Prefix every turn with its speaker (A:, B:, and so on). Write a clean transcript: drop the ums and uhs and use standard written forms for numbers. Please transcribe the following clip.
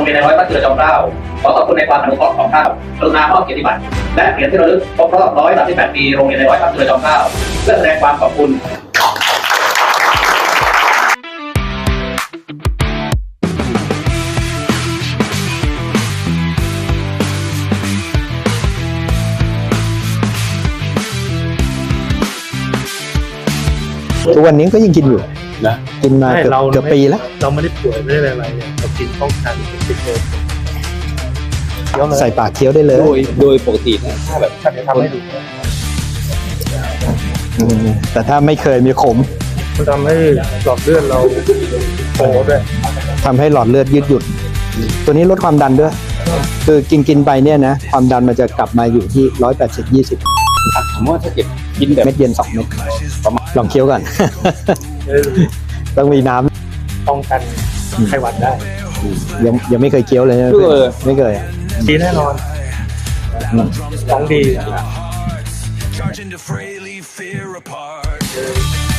A: รงเรียนในร้อยพระจุลจอมเกล้าขอขอบคุณในความอนุเคราะห์ของท่านกรุณามอบเกียรติบัตรและเหรียญที่ระลึกครบรอบ138 ปีโรงเรียนในร้อยพระจุลจอมเกล้าเพื่อแสดงความขอบคุณ
B: ทุกวันนี้ก็ยังกินอยู่
C: นะ
B: กินมาเกือบปีแล้ว
D: เราไม่ได้ป่วยไม่ได้อะไรเนี่ยเรากินป้องกันติดเลยเดี๋ยวเลย
B: ใส่ปากเคี้ยวได้เลย
C: โดยปกตินะถ้าแบบ
D: ถ้าจะทำให้ดู
B: แต่ถ้าไม่เคยมีขม
D: มันทำให้หลอดเลือดเราโตด้วย
B: ทำให้หลอดเลือดยืดหยุ่นตัวนี้ลดความดันด้วย คือกินไปเนี่ยนะความดันมันจะกลับมาอยู่ที่180/20
C: ผมว่าถ้าเก็บกินแบบ
B: เม็ดเย็น2 เม็ดลองเคี้ยวก่อน ต้องมีน้ำ
D: ป้องกันไข้หวัดได้
B: ยังไม่เคยเคี้ยวเลยนะไม่เคย
D: ดีแน่นอนของดี
E: Charging to frailly fear apart.